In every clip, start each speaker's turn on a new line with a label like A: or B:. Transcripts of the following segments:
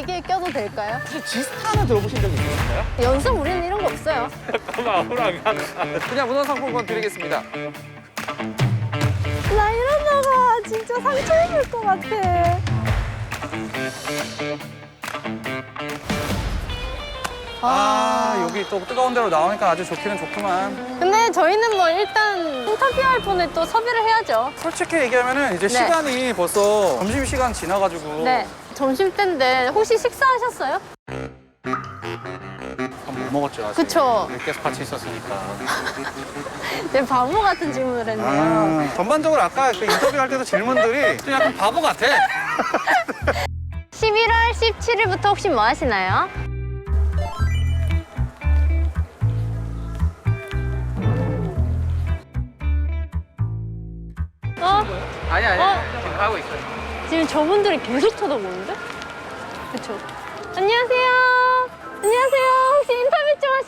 A: 껴도 될까요?
B: 혹시 지스타는 들어보신 적 있으신가요?
A: 연습 우리는 이런 거 없어요.
B: 그냥 문화상품권 드리겠습니다.
A: 나 이러다가 진짜 상처 입을 것 같아.
B: 여기 또 뜨거운 데로 나오니까 아주 좋기는 좋구만.
A: 근데 저희는 뭐 일단 인터뷰할 분을 또 섭외를 해야죠.
B: 솔직히 얘기하면은 이제
A: 네.
B: 시간이 벌써 점심시간 지나가지고
A: 네. 점심때인데 혹시 식사하셨어요?
B: 못 먹었죠, 아직.
A: 그쵸.
B: 계속 같이 있었으니까.
A: 네, 바보 같은 질문을 했네요.
B: 전반적으로 아까 그 인터뷰할 때도 질문들이 좀 약간 바보 같아.
A: 11월 17일부터 혹시 뭐 하시나요?
B: 아니,
A: 어?
B: 지금 하고 있어요.
A: 지금 저분들이 계속 쳐다보는데? 그쵸? 안녕하세요. 안녕하세요. 혹시 인터뷰 좀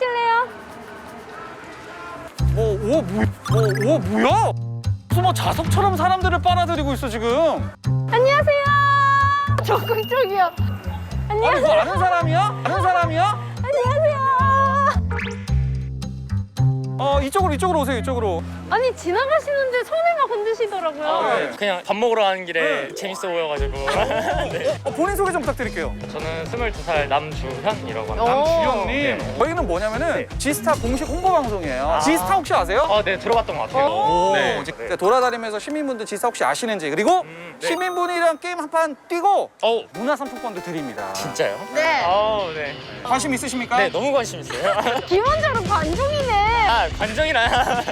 A: 하실래요?
B: 뭐야? 무슨 뭐 자석처럼 사람들을 빨아들이고 있어, 지금.
A: 안녕하세요. 적극적이야.
B: 아니, 뭐
A: 안녕하세요.
B: 아는 사람이야? 아는 사람이야?
A: 안녕하세요.
B: 이쪽으로 오세요, 이쪽으로.
A: 아니, 지나가시는데 손을 막 흔드시더라고요.
B: 네.
C: 그냥 밥 먹으러 가는 길에 재밌어 보여가지고. 네.
B: 본인 소개 좀 부탁드릴게요.
C: 저는 22살 남주현이라고 합니다.
B: 남주현님.
C: 네.
B: 저희는 뭐냐면은 지스타 공식 홍보 방송이에요. 지스타 혹시 아세요?
C: 네, 들어봤던 것 같아요.
B: 오,
C: 네.
B: 이제 돌아다니면서 시민분들 지스타 혹시 아시는지, 그리고
C: 네.
B: 시민분이랑 게임 한 판 뛰고
C: 어우,
B: 문화상품권도 드립니다.
C: 진짜요?
A: 네.
C: 네.
B: 관심 있으십니까?
C: 네, 너무 관심 있어요.
A: 기본적으로 관중이네.
C: 관정이나.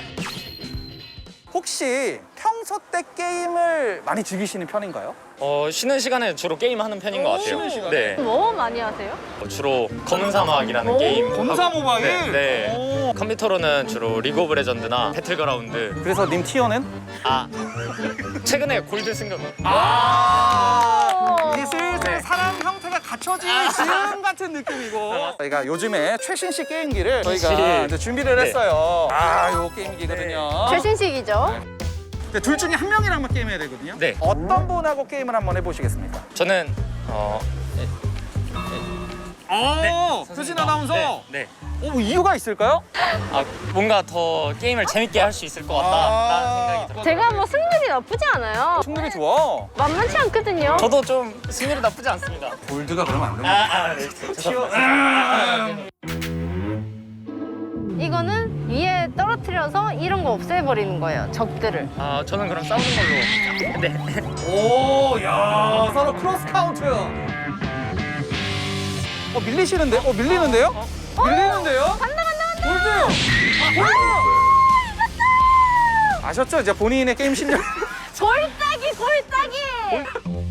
B: 혹시 평소 때 게임을 많이 즐기시는 편인가요?
C: 쉬는 시간에 주로 게임하는 편인 것 같아요.
B: 쉬는 시간에?
C: 네.
A: 뭐 많이 하세요?
C: 주로 검은 사막이라는
A: 오.
C: 게임.
B: 검사
C: 하고-
B: 모바일?
C: 네. 네.
B: 오.
C: 컴퓨터로는 주로 리그 오브 레전드나 배틀그라운드.
B: 그래서 님 티어는?
C: 최근에 골드 승급.
B: 이제 슬슬 사람 형태가 갖춰질 지금 같은 느낌이고. 저희가 요즘에 최신식 게임기를 저희가
C: 최신.
B: 이제 준비를
C: 네.
B: 했어요. 요 게임기거든요.
A: 최신식이죠.
B: 근데 둘 중에 한 명이랑 한번 게임해야 되거든요.
C: 네.
B: 어떤 분하고 게임을 한번 해보시겠습니까?
C: 저는
B: 표진 아나운서.
C: 네.
B: 이유가 있을까요?
C: 뭔가 더 게임을 재밌게 할 수 있을 것 같다라는 생각이 들어요.
A: 제가 뭐 승률이 나쁘지 않아요.
B: 충분히 좋아.
A: 만만치 않거든요.
C: 저도 좀 승률이 나쁘지 않습니다.
B: 골드가 그러면 안 됩니다.
C: 네. 죄송합니다.
A: 이거는 위에 떨어뜨려서 이런 거 없애버리는 거예요. 적들을.
C: 저는 그럼 싸우는 걸로. 네.
B: 야 서로 크로스 카운트. 밀리시는데? 밀리는데요? 밀리는데요?
A: 간다.
B: 골드요. 골드. 아셨죠? 이제 본인의 게임 실력.
A: 골따기.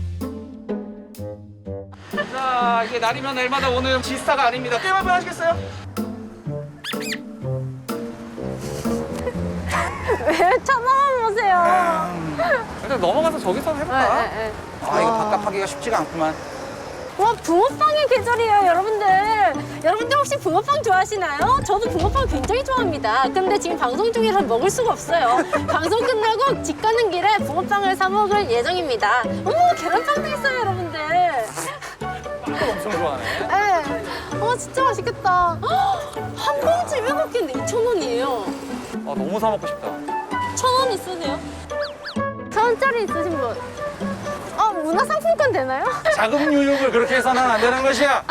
B: 자, 이게 날이면 날마다 오는 지스타가 아닙니다. 게임 한번 하시겠어요?
A: 왜 쳐다만 보세요?
B: 일단 넘어가서 저기서 해볼까?
A: 네.
B: 이거 바깥하기가 쉽지가 않구만.
A: 와, 붕어빵의 계절이에요, 여러분들. 여러분들 혹시 붕어빵 좋아하시나요? 저도 붕어빵 굉장히 좋아합니다. 근데 지금 방송 중이라 먹을 수가 없어요. 방송 끝나고 집 가는 길에 붕어빵을 사 먹을 예정입니다. 어머, 계란빵도 있어요, 여러분들.
B: 빵을 엄청 좋아하네.
A: 네. 진짜 맛있겠다. 한 봉지 7개인데 2,000원이에요.
B: 너무 사 먹고 싶다.
A: 1,000원 있으세요? 1,000원짜리 있으신 분? 문화상품권 되나요?
B: 자금 유육을 그렇게 해서는 안 되는 것이야.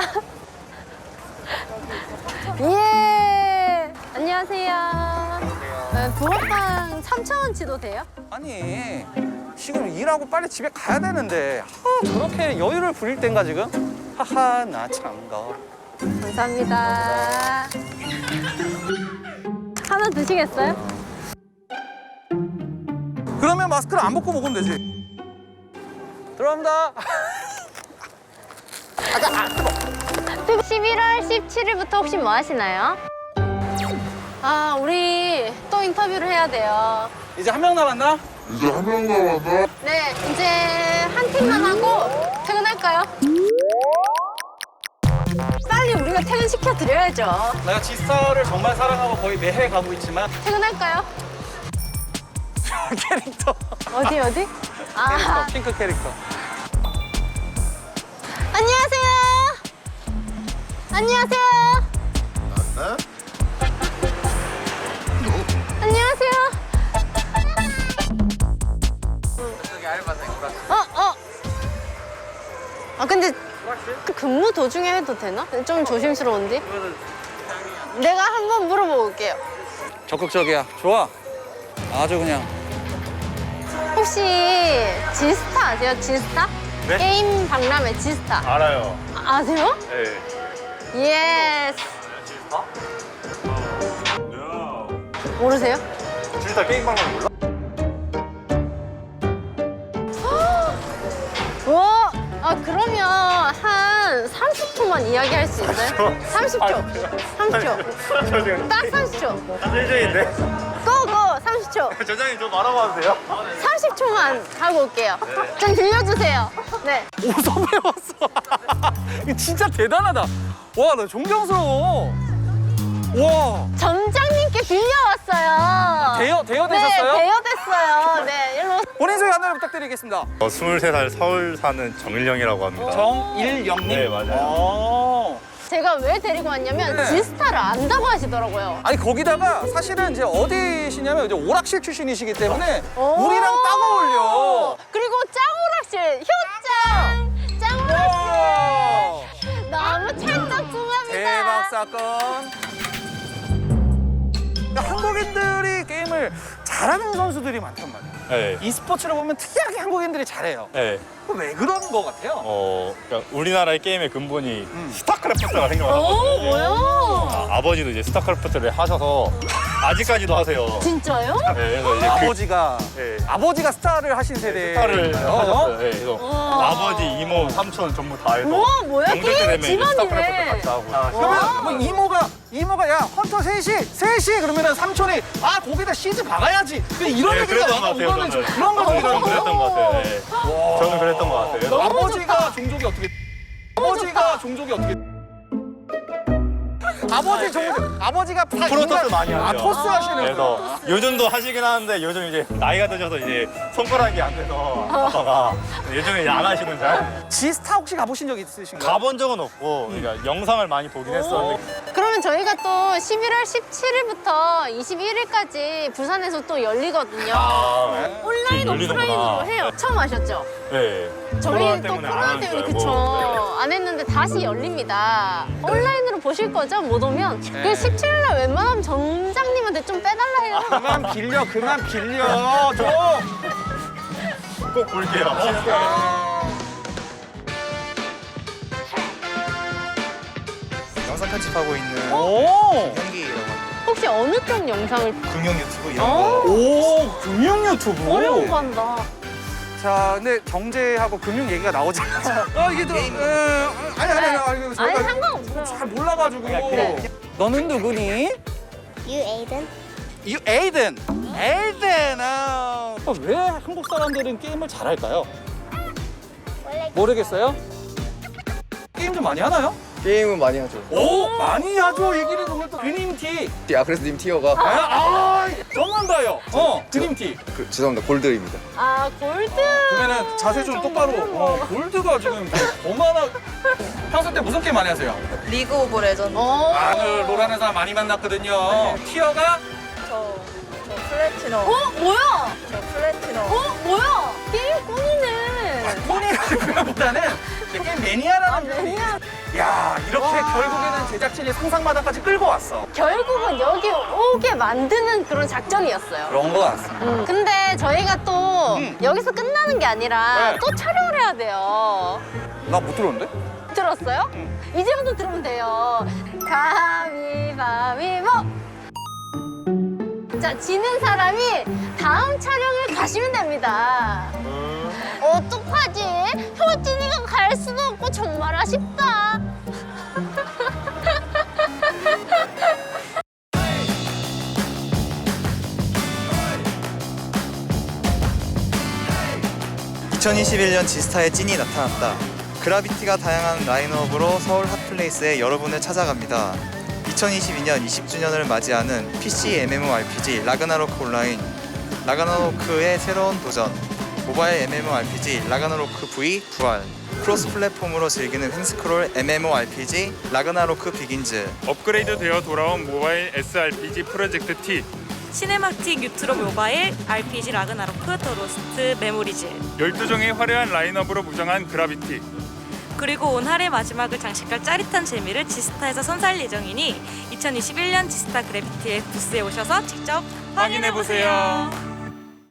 A: 예. 안녕하세요. 네, 붕어빵 3,000원치도 돼요?
B: 아니, 지금 일하고 빨리 집에 가야 되는데 저렇게 여유를 부릴 땐가 지금? 하하, 나 참가.
A: 감사합니다. 하나 드시겠어요?
B: 그러면 마스크를 안 벗고 먹으면 되지. 들어갑니다.
A: 11월 17일부터 혹시 뭐 하시나요? 우리 또 인터뷰를 해야 돼요.
B: 이제 한 명 남았나?
A: 네, 이제 한 팀만 하고 퇴근할까요? 빨리 우리가 퇴근시켜 드려야죠.
B: 내가 지스타를 정말 사랑하고 거의 매해 가고 있지만
A: 퇴근할까요?
B: 캐릭터.
A: 어디?
B: 캐릭터, 핑크 캐릭터.
A: 안녕하세요. 안녕하세요. 안녕하세요. 아 근데 근무 도중에 해도 되나? 좀 조심스러운데? 내가 한번 물어보고 올게요.
B: 적극적이야. 좋아. 아주 그냥.
A: 혹시 지스타 아세요? 지스타?
D: 네?
A: 게임 박람회 지스타.
D: 알아요.
A: 아세요?
D: 네.
A: 예스. 모르세요?
D: 진짜 게임 방송 몰라?
A: 와, 아 그러면 한 30초만 이야기할 수 있어요? 30초. 30초.
D: 저 지금
A: 딱 30초.
D: 일주일인데.
A: 고고 30초.
D: 저장님 좀 알아봐도 돼요?
A: 30초만 하고 올게요. 좀 빌려주세요. 네.
B: 어디서 배웠어? 이거 진짜 대단하다. 와, 나 존경스러워. 와.
A: 점장님께 빌려왔어요.
B: 대여되셨어요?
A: 네, 대여됐어요. 네, 일로.
B: 본인 소개 하나 부탁드리겠습니다.
D: 23살 서울 사는 정일영이라고 합니다.
B: 정일영님?
D: 네, 맞아요.
A: 제가 왜 데리고 왔냐면
B: 네.
A: 지스타를 안다고 하시더라고요.
B: 아니 거기다가 사실은 이제 어디시냐면 이제 오락실 출신이시기 때문에
A: 오.
B: 우리랑 딱 어울려.
A: 그리고 짱오락실, 효짱! 짱오락실! 너무 찰떡궁합니다.
B: 대박 사건. 한국인들이 게임을 잘하는 선수들이 많단 말이야.
D: 네.
B: e스포츠를 보면 특이하게 한국인들이 잘해요.
D: 네.
B: 왜 그런 거 같아요?
D: 그러니까 우리나라의 게임의 근본이
B: 음.
D: 스타크래프트가
A: 오,
D: 생겨났거든요.
A: 뭐야?
D: 아버지도 이제 스타크래프트를 하셔서 아직까지도 하세요.
A: 진짜요?
D: 네, 그래서 이제
B: 아버지가
D: 네.
B: 아버지가 스타를 하신 세대.
D: 스타를 하셨어요. 네, 그래서
A: 우와.
D: 아버지, 이모, 삼촌 전부 다 해서
A: 우와, 뭐야?
D: 명절 때
A: 게임
D: 되면 이제 스타크래프트
A: 집안이네.
D: 같이 하고.
B: 그러면 뭐 이모가 야 헌터 셋이 그러면은 삼촌이 아 거기다 시즈 박아야지. 이런
D: 네,
B: 얘기가
D: 그랬던 것 같아요,
B: 이거는
D: 저는.
B: 그런 거
D: 저는
B: 중에
D: 그랬던 것 같아요. 네. 저는 그랬던 것 같아요. 그래서
A: 너무
B: 아버지가
A: 좋다.
B: 종족이 어떻게? 아버지가 종족이 어떻게? 아버지가
D: 프로토스 많이 하죠.
B: 아 토스 하시는
D: 그래서 요즘도 하시긴 하는데 요즘 이제 나이가 드셔서 이제 손가락이 안 돼서 아빠가 요즘에 이제 안 하시는 잘
B: 지스타 혹시 가보신 적 있으신가요?
D: 가본 적은 없고 그러니까 영상을 많이 보긴 했었는데
A: 그러면 저희가 또 11월 17일부터 21일까지 부산에서 또 열리거든요. 온라인,
D: 지금 열리는구나.
A: 오프라인으로 해요. 처음 하셨죠?
D: 네.
A: 저희
D: 코로나
A: 또
D: 때문에 안
A: 코로나
D: 하는
A: 때문에
D: 줄
A: 그쵸.
D: 알고.
A: 안 했는데 다시 열립니다. 온라인으로 보실 거죠? 못 오면? 그 17일날 웬만하면 점장님한테 좀 빼달라 해요.
B: 그만 빌려 줘.
D: 꼭 볼게요.
E: 영상 편집하고 있는
B: 오.
E: 현기라고 합니다.
A: 혹시 어느 쪽 영상을?
E: 금융 유튜브 이런
A: 어?
E: 거
B: 오 금융 유튜브.
A: 어려운 거 한다.
B: 자, 근데 경제하고 금융 얘기가 나오지 않아. 이게 또 아니
A: 아니, 상관없어요.
B: 잘 몰라가지고.
A: 그래.
B: 너는 누구니?
F: 유에이든
B: 에이든. 왜 한국 사람들은 게임을 잘할까요?
F: 원래
B: 모르겠어요. 게임 좀 많이 하나요?
G: 게임은 많이 하죠.
B: 오 많이 하죠. 얘기를 듣면 또 드림티.
G: 그래서 님 티어가
B: 전문가요. 드림티.
G: 죄송합니다. 골드입니다.
A: 아, 골드.
B: 그러면은 자세 좀 똑바로. 골드가 지금 얼마나 평소 때 무슨 게임 많이 하세요?
H: 리그 오브 레전드.
B: 오늘 롤하는 사람 많이 만났거든요. 티어가
H: 저 플래티넘.
A: 뭐야?
H: 저 플래티넘.
A: 뭐야? 게임 꾼이네.
B: 꾼이라기보다는 게임 매니아라는 분이.
A: 매니아.
B: 야 이렇게 결국에는 제작진이 상상마당까지 끌고 왔어.
A: 결국은 여기 오게 만드는 그런 작전이었어요.
B: 그런 거 같습니다.
A: 근데 저희가 또 여기서 끝나는 게 아니라
B: 네.
A: 또 촬영을 해야 돼요.
B: 나 못 들었는데?
A: 들었어요? 이제부터 들으면 돼요. 가위바위보! 자, 지는 사람이 다음 촬영을 가시면 됩니다. 어떡하지? 효진이가 갈 수도 없고 정말 아쉽다.
E: (2021년) 지스타의 찐이 나타났다. 그라비티가 다양한 라인업으로 서울 핫플레이스에 여러분을 찾아갑니다. 2022년 20주년을 맞이하는 PC MMORPG 라그나로크 온라인, 라그나로크의 새로운 도전, 모바일 MMORPG 라그나로크 V 부활, 크로스 플랫폼으로 즐기는 횡스크롤 MMORPG 라그나로크 비긴즈,
I: 업그레이드 되어 돌아온 모바일 SRPG 프로젝트 T,
J: 시네마틱 유트로 모바일 RPG 라그나로크 더 로스트 메모리즈,
I: 12종의 화려한 라인업으로 무장한 그라비티.
J: 그리고 온 할의 마지막을 장식할 짜릿한 재미를 지스타에서 선사할 예정이니 2021년 지스타 그래비티의 부스에 오셔서 직접 확인해보세요.